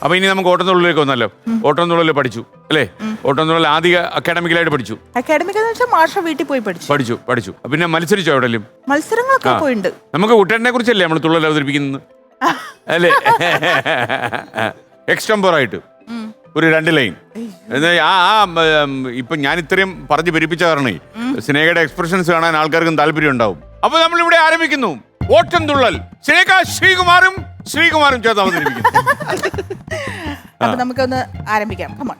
അപ്പൊ ഇനി നമുക്ക് ഓട്ടംതുള്ളലിലേക്ക് വന്നല്ലോ. ഓട്ടംതുള്ളൽ പഠിച്ചു അല്ലേ? ഓട്ടംതുള്ളൽ ആദ്യ അക്കാഡമിക്കലായിട്ട് പഠിച്ചു. അക്കാഡമിക് എന്ന് വെച്ചാൽ മാഷ വീട്ടിൽ പോയി പഠിച്ചു. പിന്നെ മത്സരിച്ചോ എവിടെയും? മത്സരങ്ങളൊക്കെ പോയിട്ടുണ്ട്. നമുക്ക് കുട്ടേട്ടനെ കുറിച്ചല്ലേ നമ്മൾ തുള്ളൽ അവതരിപ്പിക്കുന്നത് അല്ലേ? എക്സ്റ്റംപോറായിട്ട് ഒരു 2 ലൈൻ. ഇപ്പൊ ഞാൻ ഇത്രയും പറഞ്ഞു പെരുപ്പിച്ച കാരണേ സ്നേഹയുടെ എക്സ്പ്രഷൻസ് കാണാൻ ആൾക്കാർക്കും താല്പര്യം ഉണ്ടാവും. അപ്പൊ നമ്മൾ ഇവിടെ ആരംഭിക്കുന്നു ഓട്ടംതുള്ളൽ. സ്നേഹ ശ്രീകുമാരും ചേർത്ത് അവതരിപ്പിക്കുന്നു. അപ്പൊ നമുക്കൊന്ന് ആരംഭിക്കാം. കമോൺ.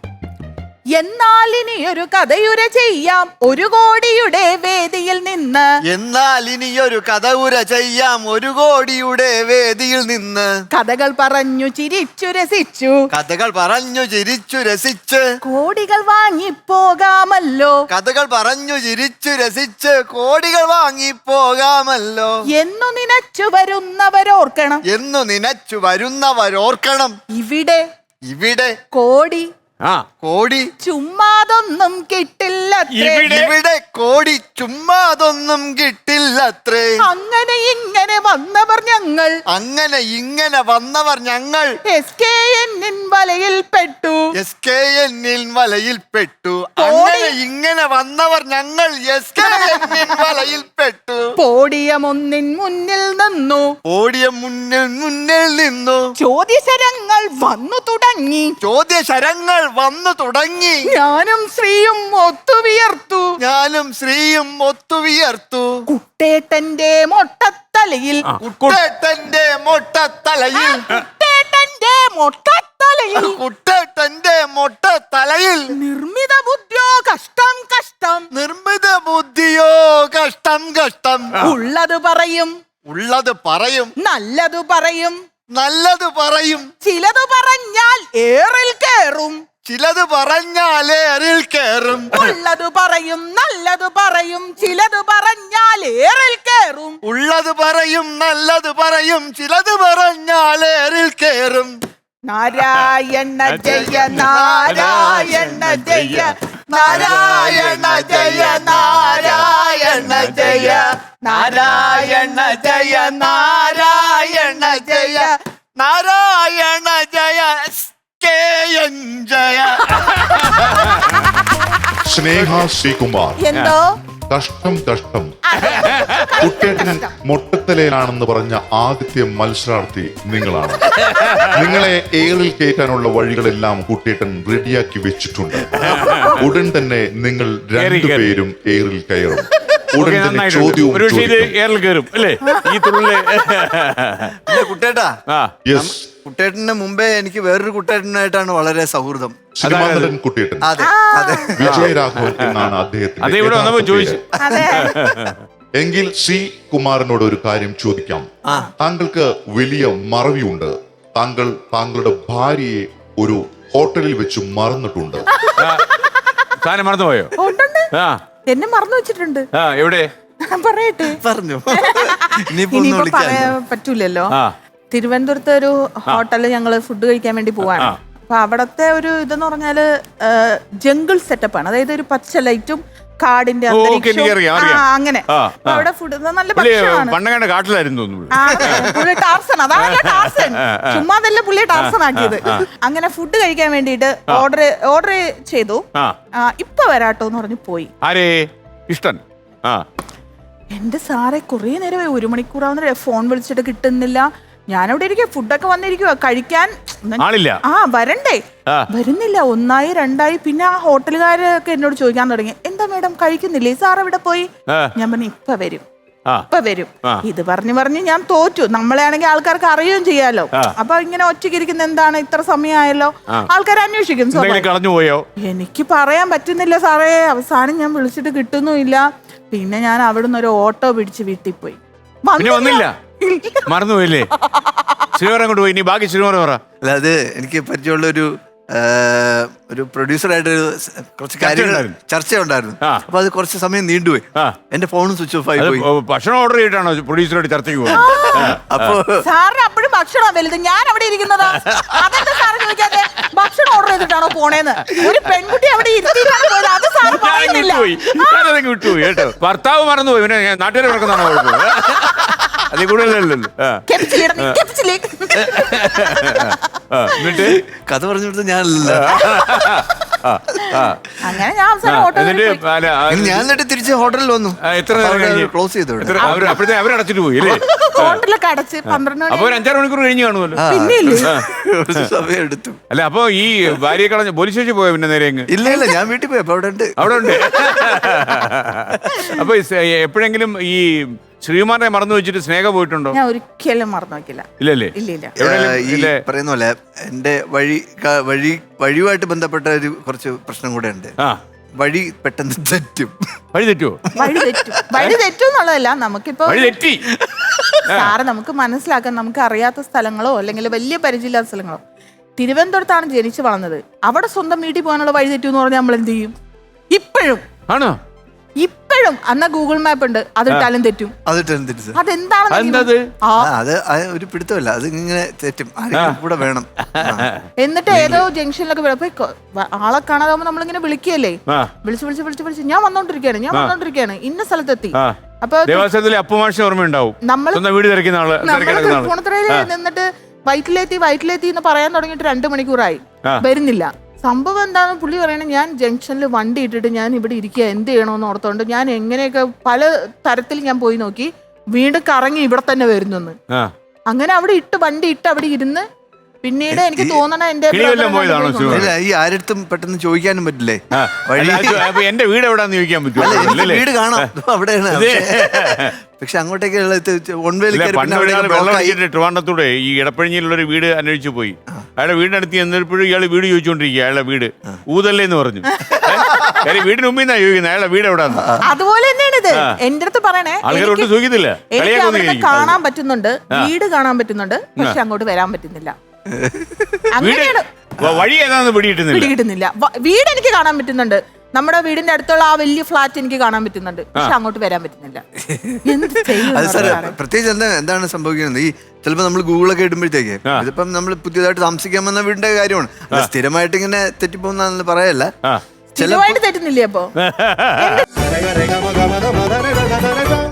എന്നാൽ ഇനി ഒരു കഥയുര ചെയ്യാം 1 കോടിയുടെ വേദിയിൽ നിന്ന്. എന്നാൽ ഇനിയൊരു കഥയുര ചെയ്യാം 1 കോടിയുടെ വേദിയിൽ നിന്ന്. കഥകൾ പറഞ്ഞു ചിരിച്ചു രസിച്ചു. കഥകൾ പറഞ്ഞു ചിരിച്ചു രസിച്ച് കോടികൾ വാങ്ങിപ്പോകാമല്ലോ. കഥകൾ പറഞ്ഞു ചിരിച്ചു രസിച്ച് കോടികൾ വാങ്ങിപ്പോകാമല്ലോ. എന്നു നനച്ചു വരുന്നവരോർക്കണം. എന്നു നനച്ചു വരുന്നവരോർക്കണം. ഇവിടെ കോടി കോടി ചുമ്മാതൊന്നും കിട്ടില്ല. ഇവിടെ കോടി ചുമ്മാതൊന്നും കിട്ടില്ലത്രേ. അങ്ങനെ ഇങ്ങനെ വന്നവർ ഞങ്ങൾ. അങ്ങനെ ഇങ്ങനെ വന്നവർ ഞങ്ങൾ. SKN വലയിൽ പെട്ടു. SKN വലയിൽ പെട്ടു. അങ്ങനെ ഇങ്ങനെ വന്നവർ ഞങ്ങൾ SKN വലയിൽ പെട്ടു. പോഡിയം ഒന്നിൻ മുന്നിൽ നിന്നു. പോഡിയം മുന്നിൽ നിന്നു. ചോദ്യശരങ്ങൾ വന്നു തുടങ്ങി. ചോദ്യശരങ്ങൾ വന്നു തുടങ്ങി. ഞാനും ശ്രീയും ഒത്തുവിയർത്തു. ഞാനും ശ്രീയും ഒത്തുവിയർത്തു. കുട്ടേട്ടന്റെ മൊട്ടത്തലയിൽ. കുട്ടേട്ടന്റെ മൊട്ടത്തലയിൽ. കുട്ടേട്ടന്റെ മൊട്ടത്തലയിൽ. കുട്ടേട്ടന്റെ മൊട്ടത്തലയിൽ. നിർമ്മിത ബുദ്ധിയോ കഷ്ടം കഷ്ടം. നിർമ്മിത ബുദ്ധിയോ കഷ്ടം കഷ്ടം. ഉള്ളത് പറയും. ഉള്ളത് പറയും. നല്ലത് പറയും. നല്ലത് പറയും. ചിലത് പറഞ്ഞാൽ ഏറിൽ കേറും. ചിലത് പറഞ്ഞാൽ ഏറിൽ കേറും. ഉള്ളത് പറയും. നല്ലത് പറയും. ചിലത് പറഞ്ഞാൽ ഏറിൽ കേറും. ഉള്ളത് പറയും. നല്ലത് പറയും. ചിലത് പറഞ്ഞാൽ ഏറിൽ കേറും. നാരായണ ജയ നാരായണ ജയ നാരായണ ജയ നാരായണ ജയ നാരായണ ജയ നാരായണ ജയ നാരായണ ജയ SKN ജയ. സ്നേഹ ശ്രീകുമാർ. എന്തോ കഷ്ടം കുട്ടേട്ടൻ മൊട്ടത്തലയിലാണെന്ന് പറഞ്ഞ ആദ്യത്തെ മത്സരാർത്ഥി നിങ്ങളാണ്. നിങ്ങളെ ഏറിൽ കയറ്റാനുള്ള വഴികളെല്ലാം കുട്ടേട്ടൻ റെഡിയാക്കി വെച്ചിട്ടുണ്ട്. ഉടൻ തന്നെ നിങ്ങൾ 2 പേരും ഏറിൽ കയറും. ഉടൻ തന്നെ ചോദ്യവും കുട്ടേട്ടാ. യെസ്. കുട്ടേട്ടന് മുമ്പേ എനിക്ക് വേറൊരു കുട്ടേട്ടനായിട്ടാണ് വളരെ സൗഹൃദം. സിനിമാനടൻ കുട്ടേട്ടൻ. അതെ അതെ. വിജയരാഘവൻ എന്നാണ് അദ്ദേഹത്തിന്റെ. എങ്കിൽ സി കുമാരനോട് ഒരു കാര്യം ചോദിക്കാം. താങ്കൾക്ക് വലിയ മറവിയുണ്ട്. താങ്കൾ താങ്കളുടെ ഭാര്യയെ ഒരു ഹോട്ടലിൽ വെച്ച് മറന്നിട്ടുണ്ട്. മറന്നുപോയോ? എന്നെ മറന്നു വെച്ചിട്ടുണ്ട്. എവിടെ പറയട്ടെ? പറഞ്ഞു. ഇനിയിപ്പോ പറയാൻ പറ്റൂലല്ലോ. തിരുവനന്തപുരത്തെ ഒരു ഹോട്ടലിൽ ഞങ്ങള് ഫുഡ് കഴിക്കാൻ വേണ്ടി പോവാണ്. അപ്പൊ അവിടത്തെ ഒരു ഇതെന്ന് പറഞ്ഞാല് ജംഗിൾ സെറ്റപ്പ് ആണ്. അതായത് ഒരു പച്ച ലൈറ്റും കാടിന്റെ അങ്ങനെ അവിടെ ഫുഡ് നല്ല ഭക്ഷണമാണ്. കാട്ടിലായിരുന്നു പുള്ളി ടാർസൺ. അതാണ് ടാർസൺ. ചുമ്മാതല്ല പുള്ളി ടാർസൺ ആക്കിയത്. അങ്ങനെ ഫുഡ് കഴിക്കാൻ വേണ്ടിട്ട് ഓർഡർ ചെയ്തു. ഇപ്പൊ വരാട്ടോന്ന് പറഞ്ഞു പോയി. ഇഷ്ടൻ. എന്റെ സാറെ കുറെ നേരമായി 1 മണിക്കൂറാവുന്ന ഫോൺ വിളിച്ചിട്ട് കിട്ടുന്നില്ല. ഞാനവിടെ ഇരിക്കുക. ഫുഡൊക്കെ വന്നിരിക്കുക കഴിക്കാൻ. വരണ്ടേ? വരുന്നില്ല. 1 2 പിന്നെ ആ ഹോട്ടലുകാരൊക്കെ എന്നോട് ചോദിക്കാൻ തുടങ്ങി, എന്താ മേഡം കഴിക്കുന്നില്ലേ? സാർ എവിടെ പോയി? ഞാൻ പറഞ്ഞു ഇപ്പൊ വരും. ഇത് പറഞ്ഞു ഞാൻ തോറ്റു. നമ്മളെ ആണെങ്കിൽ ആൾക്കാർക്ക് അറിയുകയും ചെയ്യാലോ. അപ്പൊ ഇങ്ങനെ ഒറ്റയ്ക്കിരിക്കുന്ന എന്താണ് ഇത്ര സമയമായല്ലോ, ആൾക്കാർ അന്വേഷിക്കും. എനിക്ക് പറയാൻ പറ്റുന്നില്ല സാറേ. അവസാനം ഞാൻ വിളിച്ചിട്ട് കിട്ടുന്നുമില്ല. പിന്നെ ഞാൻ അവിടുന്ന് ഒരു ഓട്ടോ പിടിച്ച് വീട്ടിൽ പോയി. വന്നില്ല. മറന്നുപോയില്ലേ? ശ്രീവരം കൊണ്ട് പോയി. ബാക്കി ശ്രീവരം പറ. അല്ല, അത് എനിക്ക് പരിചയമുള്ള ഒരു പ്രൊഡ്യൂസറായിട്ട് കുറച്ച് കാര്യങ്ങൾ ചർച്ച ഉണ്ടായിരുന്നു. അപ്പൊ അത് കുറച്ച് സമയം നീണ്ടുപോയി. എന്റെ ഫോണും സ്വിച്ച് ഓഫ് ആയി പോയി. ഭക്ഷണം ഓർഡർ ചെയ്തിട്ടാണോ പ്രൊഡ്യൂസറായിട്ട് ചർച്ചയ്ക്ക് പോകുന്നത്? അപ്പൊ സാറിന് അപ്പോഴും ഭക്ഷണം വലുത്. ഞാൻ അവിടെ ഇരിക്കുന്നതാ. അതെന്താ സാറ് ചോദിക്കാതെ? ഭക്ഷണം ഓർഡർ ചെയ്തിട്ടാണോ പോണേന്ന്? ഒരു പെൺകുട്ടി അവിടെ ഇരുത്തിയിട്ടാണ് പോയത്. അത് സാറ് പറയുന്നില്ല. വിട്ടുപോയി കേട്ടോ. ഭർത്താവ് മറന്നുപോയി. പിന്നെ നാട്ടുകാരെ നടക്കുന്നതാണോ? അതിൽ കൂടുതലല്ലോ. എന്നിട്ട് കഥ പറഞ്ഞു കൊടുത്ത ഞാനല്ല. അങ്ങനെ ഞാൻ അവസാനം ഓട്ടോ ഞാൻ എന്നിട്ട് തിരിച്ച് ഹോട്ടലിൽ വന്നു. എത്ര നേരം കഴിഞ്ഞ്? ക്ലോസ് ചെയ്തു. അപ്പോഴത്തെ അവരടച്ചിട്ട് പോയി അല്ലേ? ഹോട്ടലൊക്കെ അടച്ച് 12 അപ്പൊ ഒരു 5-6 മണിക്കൂർ കഴിഞ്ഞ് കാണുമല്ലോ. ഒരു സമയം എടുത്തു. അല്ല അപ്പൊ ഈ ഭാര്യയെ കളഞ്ഞ പോലീസ് സ്റ്റേഷൻ പോയോ പിന്നെ നേരെ അങ്ങ്? ഇല്ല ഞാൻ വീട്ടിൽ പോയി. അപ്പൊ അവിടെ ഉണ്ട്. അവിടെ ഉണ്ട്. അപ്പൊ എപ്പോഴെങ്കിലും ഈ ശ്രീകുമാറിനെ മറന്നു വെച്ചിട്ട് സ്നേഹ പോയിട്ടുണ്ടോ? ഞാൻ ഒരിക്കലും മറന്നു വെക്കില്ല. ഇല്ലല്ലേ? ഈ പറയുന്ന പോലെ എന്റെ വഴിയുമായിട്ട് ബന്ധപ്പെട്ട ഒരു കുറച്ച് പ്രശ്നം കൂടെ ഉണ്ട്. വഴി പെട്ടെന്ന് തെറ്റും. വഴി തെറ്റുമോ? വഴി തെറ്റും എന്നുള്ളതല്ല, നമുക്കിപ്പോ വഴി തെറ്റി സാറ് നമുക്ക് മനസ്സിലാക്കാൻ, നമുക്ക് അറിയാത്ത സ്ഥലങ്ങളോ അല്ലെങ്കിൽ വലിയ പരിചയമില്ലാത്ത സ്ഥലങ്ങളോ. തിരുവനന്തപുരത്താണ് ജനിച്ചു വളർന്നത്. അവിടെ സ്വന്തം വീട്ടിൽ പോകാനുള്ള വഴി തെറ്റു എന്ന് പറഞ്ഞാൽ നമ്മൾ എന്ത് ചെയ്യും? ഇപ്പോഴും ഇപ്പോഴും അന്ന് ഗൂഗിൾ മാപ്പ് ഉണ്ട്, അതിട്ടാലും തെറ്റും. അതെന്താണ്? അത് ഒരു പിടുത്തമല്ല, അത് ഇങ്ങനെ തെറ്റും. കൂടെ വേണം. എന്നിട്ട് ഏതോ ജംഗ്ഷനിലൊക്കെ ആളെ കാണാതാവുമ്പോ നമ്മളിങ്ങനെ വിളിക്കുകയല്ലേ, വിളിച്ച് ഞാൻ വന്നോണ്ടിരിക്കുകയാണ് ഇന്ന സ്ഥലത്തെത്തി. അപ്പൊ ഓർമ്മയുണ്ടാവും, ഫോണത്രയില് നിന്നിട്ട് വയറ്റിലെത്തി എന്ന് പറയാൻ തുടങ്ങിയിട്ട് 2 മണിക്കൂറായി, വരുന്നില്ല. സംഭവം എന്താണെന്ന് പുള്ളി പറയണേ, ഞാൻ ജംഗ്ഷനിൽ വണ്ടി ഇട്ടിട്ട് ഞാൻ ഇവിടെ ഇരിക്കുക, എന്ത് ചെയ്യണമെന്ന് ഓർത്തോണ്ട് ഞാൻ എങ്ങനെയൊക്കെ പല തരത്തിൽ ഞാൻ പോയി നോക്കി, വീണ്ടും കറങ്ങി ഇവിടെ തന്നെ വരുന്നെന്ന്. അങ്ങനെ അവിടെ വണ്ടി ഇട്ട് അവിടെ ഇരുന്ന് പിന്നീട് എനിക്ക് തോന്നണ ഈ ആരടുത്തും പെട്ടെന്ന് ചോദിക്കാനും പറ്റില്ലേ എന്റെ വീട് എവിടാന്ന് ചോദിക്കാൻ പറ്റും. വീട് കാണാം അവിടെയാണ്. പക്ഷെ അങ്ങോട്ടേക്ക് ട്രിവാൻഡത്തൂടെ ഈ ഇടപ്പഴിഞ്ഞിലുള്ളൊരു വീട് അന്വേഷിച്ചു പോയി. അയാളുടെ വീടിനടുത്ത് ചെന്നപ്പോഴും ഇയാള് വീട് ചോദിച്ചോണ്ടിരിക്കുക. അയാളുടെ വീട് ഊതല്ലേ എന്ന് പറഞ്ഞു. വീടിന് മുമ്പിൽ നിന്നാ ചോദിക്കുന്നത് അയാളുടെ വീട് എവിടാന്ന്. അതുപോലെ തന്നെയാണ് ഇത്. എന്റെ അടുത്ത് പറയണേ, ആൾക്കാരോട്ട് ചോദിക്കത്തില്ല. കാണാൻ പറ്റുന്നുണ്ട്, വീട് കാണാൻ പറ്റുന്നുണ്ട്, പക്ഷെ അങ്ങോട്ട് വരാൻ പറ്റുന്നില്ല. വഴി ഏതാന്ന് പിടികിട്ടുന്നില്ല. വീട് എനിക്ക് കാണാൻ പറ്റുന്നുണ്ട്, നമ്മുടെ വീടിന്റെ അടുത്തുള്ള ആ വലിയ ഫ്ലാറ്റ് എനിക്ക് കാണാൻ പറ്റുന്നുണ്ട്, പക്ഷെ അങ്ങോട്ട് വരാൻ പറ്റുന്നില്ല. പ്രത്യേകിച്ച് എന്താണ് സംഭവിക്കുന്നത്? ഈ ചിലപ്പോ നമ്മൾ ഗൂഗിളൊക്കെ ഇടുമ്പോഴത്തേക്ക് ഇതിപ്പം നമ്മൾ പുതിയതായിട്ട് താമസിക്കാൻ വന്ന വീടിന്റെ കാര്യമാണ്. സ്ഥിരമായിട്ട് ഇങ്ങനെ തെറ്റിപ്പോകുന്ന പറയല്ല, സ്ഥിരമായിട്ട് തെറ്റുന്നില്ലേ? അപ്പൊ